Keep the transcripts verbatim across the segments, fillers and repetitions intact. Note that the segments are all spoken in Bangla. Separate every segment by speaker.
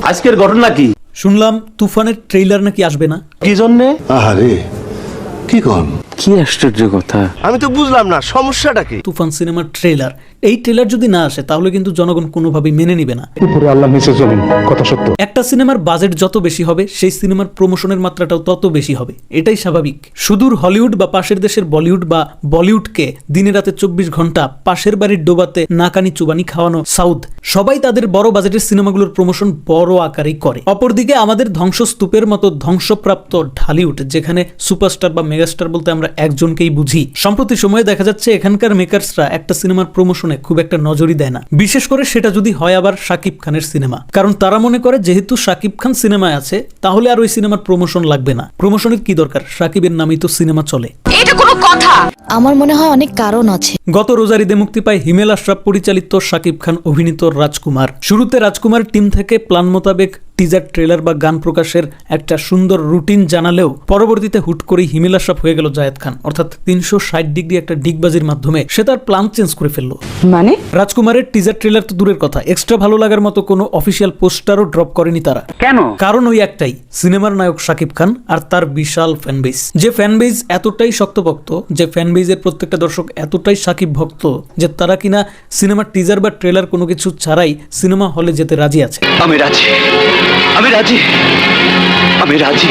Speaker 1: আজকের ঘটনা কি?
Speaker 2: শুনলাম তুফানের ট্রেইলার নাকি আসবে না।
Speaker 1: কি জন্যে?
Speaker 3: আরে কি কোন
Speaker 1: কি আশ্চর্য কথা, আমি তো বুঝলাম না সমস্যাটা কি।
Speaker 2: তুফান সিনেমার ট্রেইলার, এই ট্রেইলার যদি না আসে তাহলে কিন্তু জনগণ কোনোভাবেই মেনে নিবে না।
Speaker 4: উপরে আল্লাহ নিচে জমিন, কথা সত্য।
Speaker 2: একটা সিনেমার বাজেট যত বেশি হবে সেই সিনেমার প্রমোশনের মাত্রাটাও তত বেশি হবে, এটাই স্বাভাবিক। সুদূর হলিউড বা পাশের দেশের বলিউড বা বলিউডকে দিনে রাতে চব্বিশ ঘন্টা পাশের বাড়ির ডোবাতে নাকানি চুবানি খাওয়ানো সাউথ, সবাই তাদের বড় বাজেটের সিনেমাগুলোর প্রমোশন বড় আকারেই করে। অপরদিকে আমাদের ধ্বংসস্তূপের মতো ধ্বংসপ্রাপ্ত ঢালিউড, যেখানে সুপারস্টার বা মেগাস্টার বলতে আমরা একজনকেই বুঝি, সম্প্রতি সময়ে দেখা যাচ্ছে এখানকার মেকার্সরা একটা সিনেমার প্রমোশনে খুব একটা নজরই দেয় না, বিশেষ করে সেটা যদি হয় আবার শাকিব খানের সিনেমা। কারণ তারা মনে করে যেহেতু শাকিব খান সিনেমায় আছে তাহলে আর ওই সিনেমার প্রমোশন লাগবে না। প্রমোশনের কি দরকার, শাকিবের নামেই তো সিনেমা চলে।
Speaker 5: এটা কোনো কথা? আমার মনে হয় অনেক কারণ আছে।
Speaker 2: গত রোজার ঈদে মুক্তি পায় হিমেল আশরাফ পরিচালিত শাকিব খান অভিনীত রাজকুমার। শুরুতে রাজকুমার টিম থেকে প্ল্যান মোতাবেক টিজার, ট্রেলার বা গান প্রকাশের একটা সুন্দর রুটিন জানালেও পরবর্তীতে হুট করেই হিমেল আশরাফ হয়ে গেল জায়েদ খান, অর্থাৎ তিনশো ষাট ডিগ্রি একটা ডিগবাজির মাধ্যমে সে তার প্ল্যান চেঞ্জ করে ফেললো।
Speaker 5: মানে
Speaker 2: রাজকুমারের টিজার, ট্রেলার তো দূরের কথা, এক্সট্রা ভালো লাগার মতো কোনো অফিসিয়াল পোস্টারও ড্রপ করেনি তারা।
Speaker 5: কেন?
Speaker 2: কারণ ওই একটাই, সিনেমার নায়ক শাকিব খান আর তার বিশাল ফ্যানবেস। যে ফ্যানবেস এতটাই শক্তভক্ত, যে ফ্যানবেজের প্রত্যেকটা দর্শক এতটাই শাকিব ভক্ত যে তারা কিনা সিনেমার টিজার বা ট্রেলার কোনো কিছু ছাড়াই সিনেমা হলে যেতে রাজি আছে।
Speaker 1: আমি রাজি, আমি রাজি, আমি রাজি,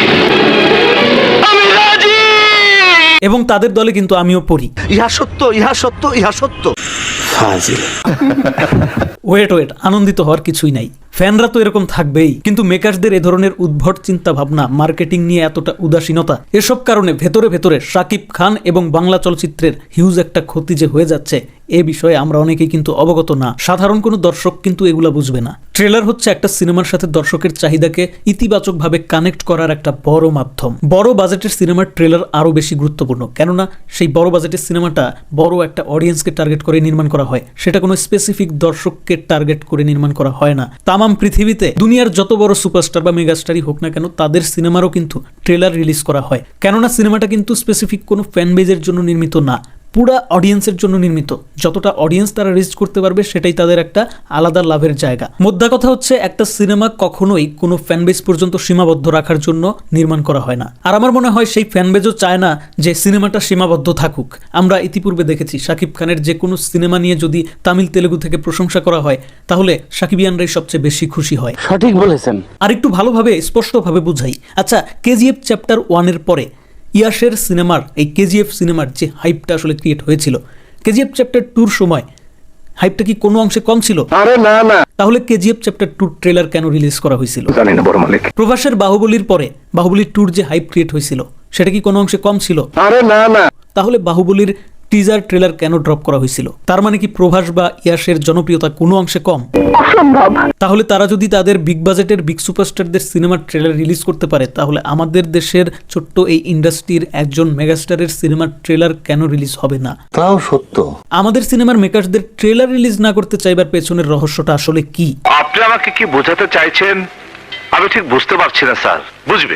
Speaker 1: আমি রাজি।
Speaker 2: এবং তাদের দলে কিন্তু আমিও পড়ি।
Speaker 1: ইহা সত্য, ইহা সত্য, ইহা সত্য। ফাজিল।
Speaker 2: ওয়েট ওয়েট আনন্দিত হওয়ার কিছুই নাই, ফ্যানরা তো এরকম থাকবেই, কিন্তু মেকার্সদের এ ধরনের উদ্ভট চিন্তা ভাবনা, মার্কেটিং নিয়ে এতটা উদাসীনতা, এসব কারণে ভেতরে ভেতরে শাকিব খান এবং বাংলা চলচ্চিত্রের হিউজ একটা ক্ষতি যে হয়ে যাচ্ছে এ বিষয়ে আমরা অনেকেই কিন্তু অবগত না। সাধারণ কোনো দর্শক কিন্তু এগুলা বুঝবে না। ট্রেলার হচ্ছে একটা সিনেমার সাথে দর্শকের চাহিদাকে ইতিবাচকভাবে কানেক্ট করার একটা বড় মাধ্যম। বড় বাজেটের সিনেমার ট্রেলার আরো বেশি গুরুত্বপূর্ণ, কেননা সেই বড় বাজেটের সিনেমাটা বড় একটা অডিয়েন্সকে টার্গেট করে নির্মাণ করা হয়, সেটা কোনো স্পেসিফিক দর্শককে টার্গেট করে নির্মাণ করা হয় না। তামাম পৃথিবীতে দুনিয়ার যত বড় সুপারস্টার বা মেগাস্টারই হোক না কেন, তাদের সিনেমারও কিন্তু ট্রেলার রিলিজ করা হয়, কেননা সিনেমাটা কিন্তু স্পেসিফিক কোনো ফ্যান বেজের জন্য নির্মিত না, পুরা অডিয়েন্সের জন্য নির্মিত। যতটা অডিয়েন্স তারা রিচ করতে পারবে সেটাই তাদের একটা আলাদা লাভের জায়গা। মোদ্দা কথা হচ্ছে একটা সিনেমা কখনোই কোনো ফ্যানবেজ পর্যন্ত সীমাবদ্ধ রাখার জন্য নির্মাণ করা হয় না। আর আমার মনে হয় সেই ফ্যানবেজও চায় না যে সিনেমাটা সীমাবদ্ধ থাকুক। আমরা ইতিপূর্বে দেখেছি শাকিব খানের যে কোনো সিনেমা নিয়ে যদি তামিল তেলেগু থেকে প্রশংসা করা হয় তাহলে সাকিবিয়ানরাই সবচেয়ে বেশি খুশি হয়।
Speaker 1: সঠিক বলেছেন।
Speaker 2: আর একটু ভালোভাবে স্পষ্টভাবে বুঝাই। আচ্ছা, কেজিএফ চ্যাপ্টার ওয়ানের পরে ইয়াসের সিনেমার, এই কেজিএফ সিনেমার যে হাইপটা আসলে ক্রিয়েট হয়েছিল, কেজিএফ চ্যাপ্টার টুর সময় হাইপটা কি কোনো অংশে কম ছিল?
Speaker 1: আরে না না।
Speaker 2: তাহলে কেজিএফ চ্যাপ্টার টুর ট্রেলার কেন রিলিজ করা হয়েছিল?
Speaker 1: জানি না বড় মালিক।
Speaker 2: প্রভাসের বাহুবলীর পরে বাহুবলী টুর যে হাইপ ক্রিয়েট হয়েছিল সেটা কি কোনো অংশে কম ছিল?
Speaker 1: আরে না না।
Speaker 2: তাহলে বাহুবলীর টিজার, ট্রেলার কেন ড্রপ করা হয়েছিল? তার মানে কি প্রভাস বা ইয়াসের জনপ্রিয়তা কোনো অংশে কম?
Speaker 5: অসম্ভব।
Speaker 2: তাহলে তারা যদি তাদের বিগ বাজেটের বিগ সুপারস্টারদের সিনেমার ট্রেলার রিলিজ করতে পারে তাহলে আমাদের দেশের ছোট্ট এই ইন্ডাস্ট্রির একজন মেগাস্টারের সিনেমার ট্রেলার কেন রিলিজ হবে না?
Speaker 3: তাও সত্য।
Speaker 2: আমাদের সিনেমার মেকারসদের ট্রেলার রিলিজ না করতে চাইবার পেছনের রহস্যটা আসলে কি?
Speaker 6: আপনি আমাকে কি বোঝাতে চাইছেন আমি ঠিক বুঝতে পারছি না স্যার। বুঝবে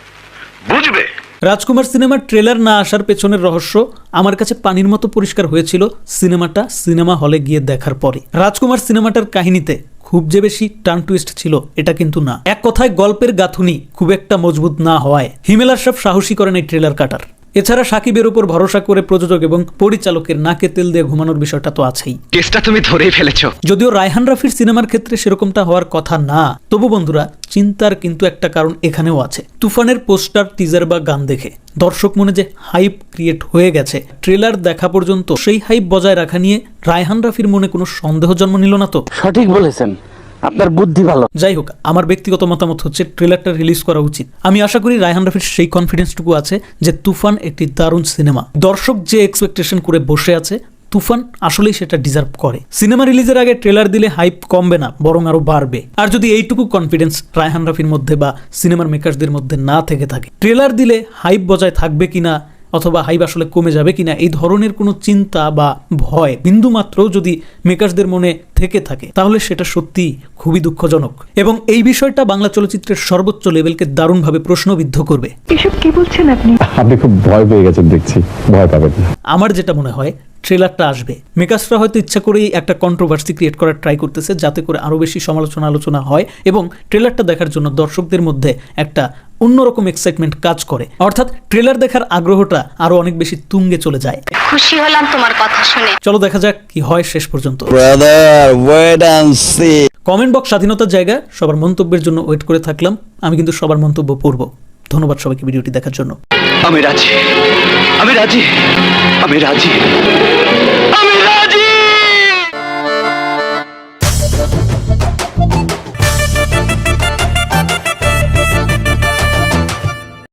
Speaker 6: বুঝবে
Speaker 2: রাজকুমার সিনেমার ট্রেলার না আসার পেছনের রহস্য আমার কাছে পানির মতো পরিষ্কার হয়েছিল সিনেমাটা সিনেমা হলে গিয়ে দেখার পরে। রাজকুমার সিনেমাটার কাহিনীতে খুব যে বেশি টার্ন টুইস্ট ছিল এটা কিন্তু না। এক কথায় গল্পের গাঁথুনি খুব একটা মজবুত না হওয়ায় হিমেল আশরাফ সাহসী করেন এই ট্রেলার কাটার। এছাড়া সাকিবের উপর ভরসা করে প্রযোজক এবং পরিচালকের নাকে তেল দিয়ে ঘুমানোর বিষয়টা তো আছেই।
Speaker 7: কেসটা তুমি ধরেই ফেলেছো।
Speaker 2: যদিও রায়হান রাফির সিনেমার ক্ষেত্রে সেরকমটা হওয়ার কথা না, তবু বন্ধুরা চিন্তার কিন্তু একটা কারণ এখানেও আছে। তুফানের পোস্টার, টিজার বা গান দেখে দর্শক মনে যে হাইপ ক্রিয়েট হয়ে গেছে, ট্রেলার দেখা পর্যন্ত সেই হাইপ বজায় রাখা নিয়ে রায়হান রাফির মনে কোনো সন্দেহ জন্ম নিল না তো?
Speaker 1: সঠিক বলেছেন, আপনার বুদ্ধি ভালো।
Speaker 2: যাই হোক, আমার ব্যক্তিগত মতামত হচ্ছে ট্রেলারটা রিলিজ করা উচিত। আমি আশা করি রায়হান রাফির সেই কনফিডেন্সটুকু আছে যে তুফান একটি দারুণ সিনেমা। দর্শক যে এক্সপেকটেশন করে বসে আছে তুফান আসলেই সেটা ডিজার্ভ করে। সিনেমা রিলিজের আগে ট্রেলার দিলে হাইপ কমবে না, বরং আরো বাড়বে। আর যদি এইটুকু কনফিডেন্স রায়হান রাফির মধ্যে বা সিনেমার মেকার্সদের মধ্যে না থেকে থাকে, ট্রেলার দিলে হাইপ বজায় থাকবে কিনা অথবা হাইপ আসলে কমে যাবে কিনা এই ধরনের কোনো চিন্তা বা ভয় বিন্দু মাত্রও যদি মেকার্সদের মনে থেকে থাকে তাহলে সেটা সত্যি খুবই দুঃখজনক এবং এই বিষয়টা বাংলা চলচ্চিত্রের সর্বোচ্চ লেভেলকে দারুণভাবে প্রশ্নবিদ্ধ করবে।
Speaker 5: এসব কি বলছেন আপনি?
Speaker 4: আপনি খুব ভয় পেয়ে গেছেন দেখছি, ভয় পাবেন না।
Speaker 2: আমার যেটা মনে হয় ট্রেলারটা আসবে। মেকার্সরা হয়তো ইচ্ছা করেই একটা কন্ট্রোভার্সি ক্রিয়েট করার ট্রাই করতেছে, যাতে করে আরও বেশি সমালোচনা আলোচনা হয় এবং ট্রেলারটা দেখার জন্য দর্শকদের মধ্যে একটা অন্যরকম এক্সাইটমেন্ট কাজ করে, অর্থাৎ ট্রেলার দেখার আগ্রহটা আরো অনেক বেশি তুঙ্গে চলে যায়।
Speaker 7: খুশি হলাম তোমার কথা শুনে।
Speaker 2: চলো দেখা যাক কি হয় শেষ পর্যন্ত।
Speaker 8: Brother wait and see.
Speaker 2: Comment box স্বাধীনতার জায়গা, সবার মন্তব্যের জন্য ওয়েট করে থাকলাম। আমি কিন্তু সবার মন্তব্য পড়ব। ধন্যবাদ সবাইকে ভিডিওটি দেখার জন্য।
Speaker 8: আমি রাজি, আমি রাজি, আমি রাজি, আমি রাজি।